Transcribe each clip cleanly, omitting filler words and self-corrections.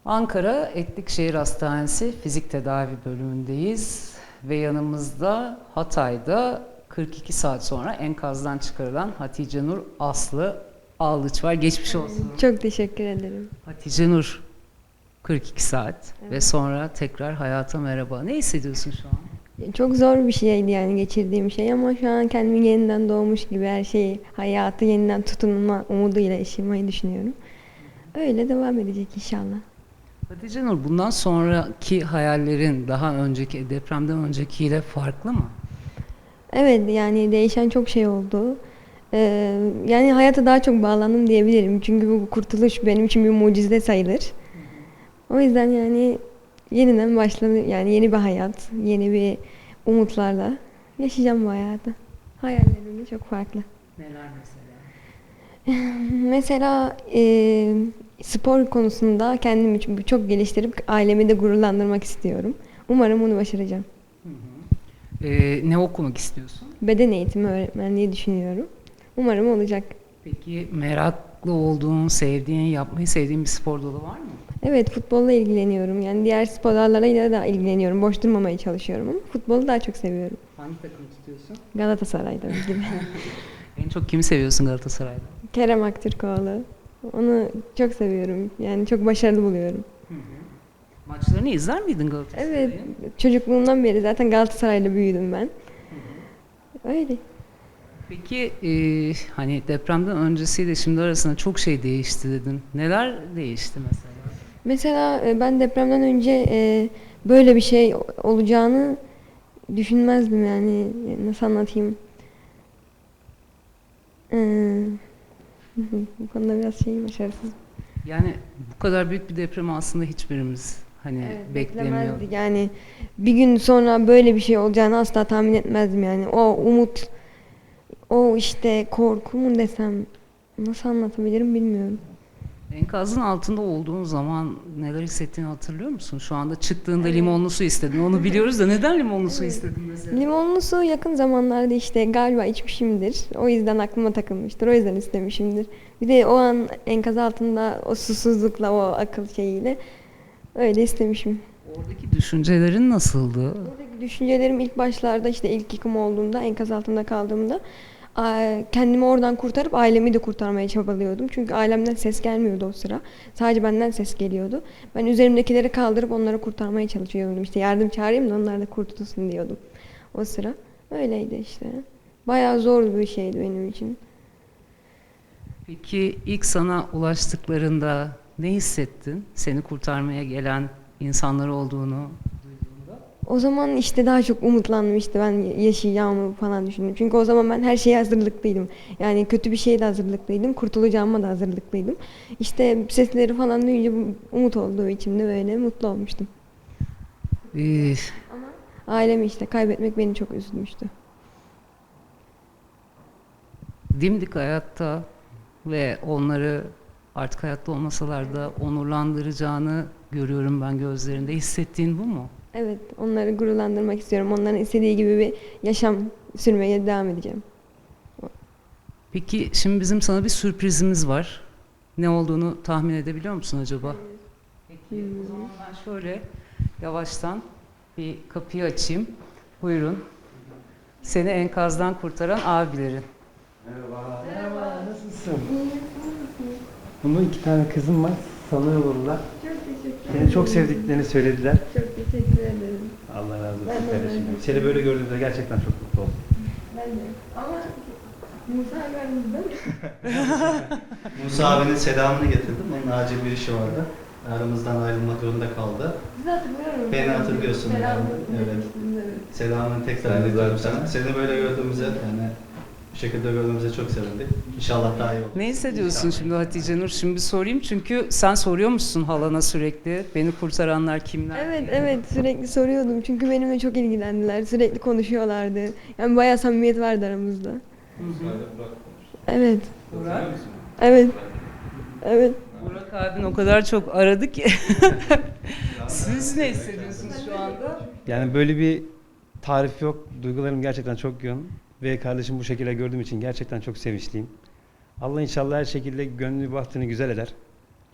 Ankara Etlikşehir Hastanesi Fizik Tedavi bölümündeyiz ve yanımızda Hatay'da 42 saat sonra enkazdan çıkarılan Hatice Nur Aslı Ağlıç var. Geçmiş olsun. Çok teşekkür ederim. Hatice Nur 42 saat ve Evet. sonra tekrar hayata merhaba. Ne hissediyorsun şu an? Çok zor bir şeydi yani geçirdiğim şey ama şu an kendimi yeniden doğmuş gibi her şeyi, hayatı yeniden tutunma umuduyla yaşamayı düşünüyorum. Öyle devam edecek inşallah. Hatice Nur, bundan sonraki hayallerin daha önceki depremden öncekiyle farklı mı? Evet yani değişen çok şey oldu. Yani hayata daha çok bağlandım diyebilirim. Çünkü bu kurtuluş benim için bir mucize sayılır. O yüzden yani yeniden başladı yani yeni bir hayat, yeni bir umutlarla yaşayacağım bu hayatı. Hayallerim de çok farklı. Neler mesela? Mesela spor konusunda kendimi çok geliştirip ailemi de gururlandırmak istiyorum. Umarım bunu başaracağım. Ne okumak istiyorsun? Beden eğitimi öğretmenliği düşünüyorum. Umarım olacak. Peki meraklı olduğun, sevdiğin, yapmayı sevdiğin bir spor dalı var mı? Evet, futbolla ilgileniyorum. Yani diğer spor dallarıyla da ilgileniyorum. Boş durmamaya çalışıyorum ama futbolu daha çok seviyorum. Hangi takımı tutuyorsun? Galatasaray tabii ki de. En çok kimi seviyorsun Galatasaray'da? Kerem Aktürkoğlu. Onu çok seviyorum. Yani çok başarılı buluyorum. Maçlarını izler miydin Galatasaray'ın? Evet, çocukluğumdan beri zaten Galatasaray'la büyüdüm ben. Öyle. Peki hani depremden öncesiyle şimdi arasında çok şey değişti dedin. Neler değişti mesela? Mesela ben depremden önce böyle bir şey olacağını düşünmezdim yani. Nasıl anlatayım? E, Bu konuda biraz başarısız. Yani bu kadar büyük bir depremi aslında hiçbirimiz hani beklemiyor. Beklemezdik yani. Bir gün sonra böyle bir şey olacağını asla tahmin etmezdim yani. O umut, o işte korku mu desem, nasıl anlatabilirim bilmiyorum. Enkazın altında olduğun zaman neler hissettiğini hatırlıyor musun? Şu anda çıktığında limonlu su istedin. Onu biliyoruz da neden limonlu su istedin mesela? Limonlu su yakın zamanlarda işte galiba içmişimdir. O yüzden aklıma takılmıştır. O yüzden istemişimdir. Bir de o an enkaz altında o susuzlukla, o akıl şeyiyle öyle istemişim. Oradaki düşüncelerin nasıldı? Buradaki düşüncelerim ilk başlarda işte ilk yıkım olduğunda, enkaz altında kaldığımda kendimi oradan kurtarıp ailemi de kurtarmaya çabalıyordum. Çünkü ailemden ses gelmiyordu o sıra. Sadece benden ses geliyordu. Ben üzerimdekileri kaldırıp onları kurtarmaya çalışıyordum. İşte yardım çağırayım da onlar da kurtulsun diyordum o sıra. Öyleydi işte. Bayağı zor bir şeydi benim için. Peki ilk sana ulaştıklarında ne hissettin? Seni kurtarmaya gelen insanlar olduğunu duyduğunda. O zaman işte daha çok umutlandım işte ben yaşayacağımı falan düşündüm. Çünkü o zaman ben her şeye hazırlıklıydım. Yani kötü bir şeye de hazırlıklıydım. Kurtulacağıma da hazırlıklıydım. İşte sesleri falan duyunca umut olduğu içimde böyle mutlu olmuştum. Ee, Ailemi işte kaybetmek beni çok üzmüştü. dimdik hayatta ve onları artık hayatta olmasalar da onurlandıracağını görüyorum ben gözlerinde. Hissettiğin bu mu? Evet, onları gururlandırmak istiyorum. Onların istediği gibi bir yaşam sürmeye devam edeceğim. Peki şimdi bizim sana bir sürprizimiz var. Ne olduğunu tahmin edebiliyor musun acaba? Peki o zaman ben şöyle yavaştan bir kapıyı açayım. Buyurun. Seni enkazdan kurtaran abilerin. Merhaba. Merhaba. Nasılsın? Bunun 2 tane kızım var. Sana olurlar. Çok teşekkür Seni çok sevdiklerini söylediler. Çok teşekkür ederim. Allah razı olsun Ben de kardeşim. öyle. Seni böyle gördüğümde gerçekten çok mutlu oldum. Ben de. Ama Musa aramızda mı? Musa abinin selamını getirdim. Onun acil bir işi vardı. Aramızdan ayrılmak zorunda kaldı. Sizi hatırlıyorum. Beni hatırlıyorsun Selam yani, evet. demiştiniz, evet. Selamını tekrar Sen de iletiyorum zaten. sana. Seni böyle gördüğümüze yani bu şekilde gördüğümüze çok sevindik. İnşallah daha iyi olur. Ne hissediyorsun şimdi Hatice Nur? Şimdi sorayım çünkü sen soruyormuşsun halana sürekli. Beni kurtaranlar kimler? Evet sürekli soruyordum çünkü benimle çok ilgilendiler. Sürekli konuşuyorlardı. Yani bayağı samimiyet vardı aramızda. Evet. Burak. Evet. Evet. Burak abin o kadar çok aradı ki. Siz ne hissediyorsunuz şu anda? Yani böyle bir tarif yok. Duygularım gerçekten çok yoğun. Ve kardeşim bu şekilde gördüğüm için gerçekten çok sevinçliyim. Allah inşallah her şekilde gönlünü bahtını güzel eder.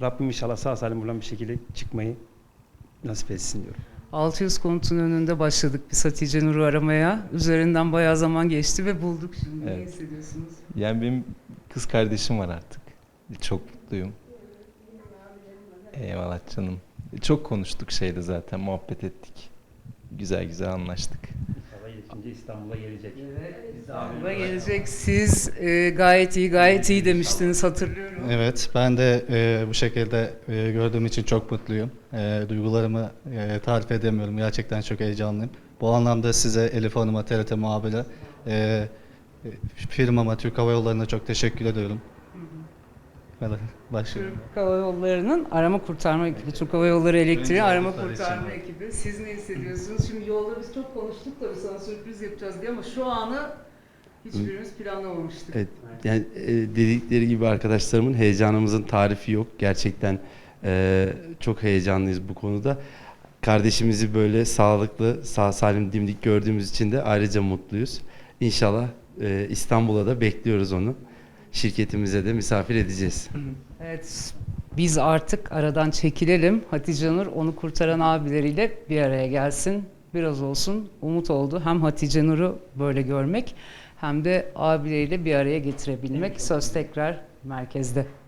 Rabbim inşallah sağ salim buradan bir şekilde çıkmayı nasip etsin diyorum. 600 konutun önünde başladık biz Hatice Nur'u aramaya. Üzerinden bayağı zaman geçti ve bulduk şimdi. Ne Evet. hissediyorsunuz? Yani benim kız kardeşim var artık. Çok mutluyum. Eyvallah canım. Çok konuştuk şeyde zaten, muhabbet ettik. Güzel güzel anlaştık. İnşallah iyileşince İstanbul'a gelecek. İstanbul'a gelecek. Siz gayet iyi demiştiniz, hatırlıyorum. Evet, ben de bu şekilde gördüğüm için çok mutluyum. Duygularımı tarif edemiyorum. Gerçekten çok heyecanlıyım. Bu anlamda size, Elif Hanım'a, TRT muhabire, firmama, Türk Hava Yolları'na çok teşekkür ediyorum. Başlıyorum. Türk Hava Yolları'nın arama kurtarma ekibi, Türk Hava Yolları Elektriği Önce arama Avrupa kurtarma için. ekibi. Siz ne hissediyorsunuz? Şimdi yolda biz çok konuştuk tabii, sana sürpriz yapacağız diye, ama şu anı hiçbirimiz planlamamıştık. Evet, yani dedikleri gibi arkadaşlarımın heyecanımızın tarifi yok. Gerçekten çok heyecanlıyız bu konuda. Kardeşimizi böyle sağlıklı, sağ salim, dimdik gördüğümüz için de ayrıca mutluyuz. İnşallah İstanbul'a da bekliyoruz onu. Şirketimize de misafir edeceğiz. Evet, biz artık aradan çekilelim. Hatice Nur onu kurtaran abileriyle bir araya gelsin. Biraz olsun umut oldu. Hem Hatice Nur'u böyle görmek hem de abileriyle bir araya getirebilmek. Söz tekrar merkezde.